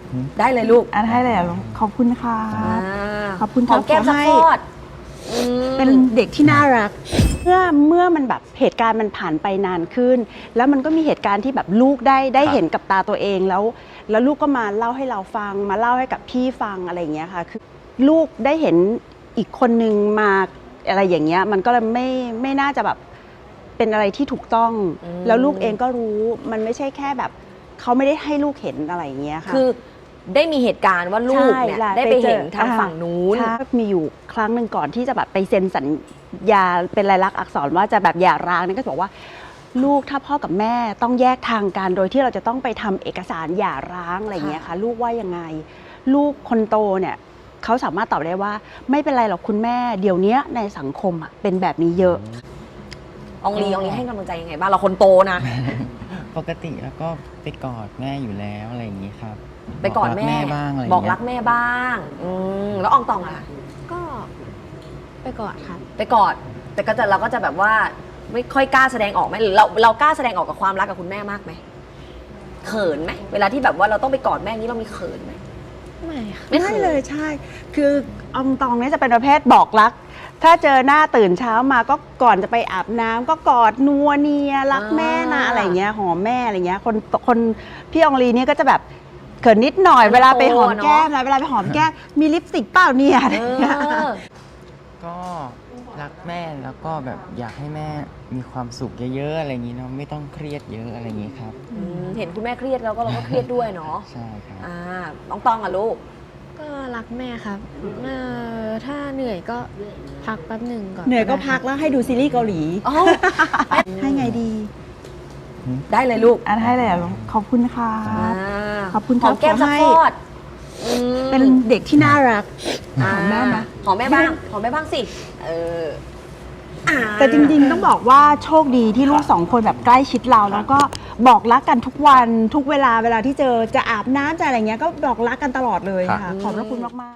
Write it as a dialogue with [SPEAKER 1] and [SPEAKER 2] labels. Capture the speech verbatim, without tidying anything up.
[SPEAKER 1] ได้เลยลูก
[SPEAKER 2] อ่ะได้เลยลูกขอบคุณค่ะขอบคุณ
[SPEAKER 1] หอมแก้มสักทอด
[SPEAKER 2] เป็นเด็กที่น่ารักเมื่อเมื่อมันแบบเหตุการณ์มันผ่านไปนานขึ้นแล้วมันก็มีเหตุการณ์ที่แบบลูกได้ได้เห็นกับตาตัวเองแล้วแล้วลูกก็มาเล่าให้เราฟังมาเล่าให้กับพี่ฟังอะไรอย่างเงี้ยค่ะคือลูกได้เห็นอีกคนนึงมาอะไรอย่างเงี้ยมันก็เลยไม่ไม่น่าจะแบบเป็นอะไรที่ถูกต้องแล้วลูกเองก็รู้มันไม่ใช่แค่แบบเขาไม่ได้ให้ลูกเห็นอะไรอย่างเงี้ยค่ะ
[SPEAKER 1] คือได้มีเหตุการณ์ว่าลูกเนี่ยได้ไปเห็นทางฝั่งนู้น
[SPEAKER 2] มีอยู่ครั้งหนึ่งก่อนที่จะแบบไปเซ็นสัญญาเป็นลายลักษณ์อักษรว่าจะแบบหย่าร้างนี่ก็บอกว่าลูกถ้าพ่อกับแม่ต้องแยกทางกันโดยที่เราจะต้องไปทำเอกสารหย่าร้างอะไรอย่างเงี้ยค่ะลูกว่ายังไงลูกคนโตเนี่ยเขาสามารถตอบได้ว่าไม่เป็นไรหรอกคุณแม่เดี๋ยวนี้ในสังคมอ่ะเป็นแบบนี้เยอะ
[SPEAKER 1] องลีองลีให้กำลังใจยังไงบ้างเราคนโตนะ
[SPEAKER 3] ปกติแล้วก็ไปกอดแม่อยู่แล้วอะไรอย่างนี้ครับ
[SPEAKER 1] ไปกอดแม่
[SPEAKER 3] บ้างอะไร
[SPEAKER 1] บอกรักแม่บ้างอืมแล้วอองตองอ่ะ
[SPEAKER 4] ก็ไปกอดค่ะ
[SPEAKER 1] ไปกอดแต่ก็จะเราก็จะแบบว่าไม่ค่อยกล้าแสดงออกไหมหรือเราเรากล้าแสดงออกกับความรักกับคุณแม่มากไหมเขินไหมเวลาที่แบบว่าเราต้องไปกอดแม่นี้เรามีเขินไหม
[SPEAKER 4] ไม่ค่ะ
[SPEAKER 2] ไม่เลยใช่คืออองตองเนี่ยจะเป็นประเภทบอกรักถ้าเจอหน้าตื่นเช้ามาก็ก่อนจะไปอาบน้ำก็กอดนัวเนียรักแม่นะอะไรเงี้ยหอมแม่อะไรเงี้ยคนคนพี่อองลีเนี่ยก็จะแบบเขินนิดหน่อยเวลาไปหอมแก้มแล้วเวลาไปหอมแก้มมีลิปสติกเปล่าเนี่ยอะไรเงี้ย
[SPEAKER 3] ก็รักแม่แล้วก็แบบอยากให้แม่มีความสุขเยอะๆอะไรอย่างนี้เนาะไม่ต้องเครียดเยอะอะไรอย่างนี้ครับ
[SPEAKER 1] เห็นคุณแม่เครียดแล้วก็เราก็เครียดด้วยเนาะ
[SPEAKER 3] ใช่ครับ
[SPEAKER 1] อ่าน้องตองอ่ะลูก
[SPEAKER 4] ก็รักแม่ครับเออถ้าเหนื่อยก็พักแป๊บหนึ่งก่อน
[SPEAKER 2] เหนื่อยก็พักแล้วให้ดูซีรีส์เกาหลีให้ไงดี
[SPEAKER 1] ได้เลยลูก
[SPEAKER 2] อ่ะได้เลยลูกขอบคุณค่ะขอบคุณ
[SPEAKER 1] หอมแก้มสักทอด
[SPEAKER 2] เป็นเด็กที่น่ารักหอมแม่นะ
[SPEAKER 1] หอมแม่บ้างหอมแม่บ้างสิเออ
[SPEAKER 2] แต่จริงๆต้องบอกว่าโชคดีที่ลูกสองคนแบบใกล้ชิดเราแล้วก็บอกรักกันทุกวันทุกเวลาเวลาที่เจอจะอาบน้ำจะอะไรเงี้ยก็บอกรักกันตลอดเลยค่ะขอบพระคุณมากๆ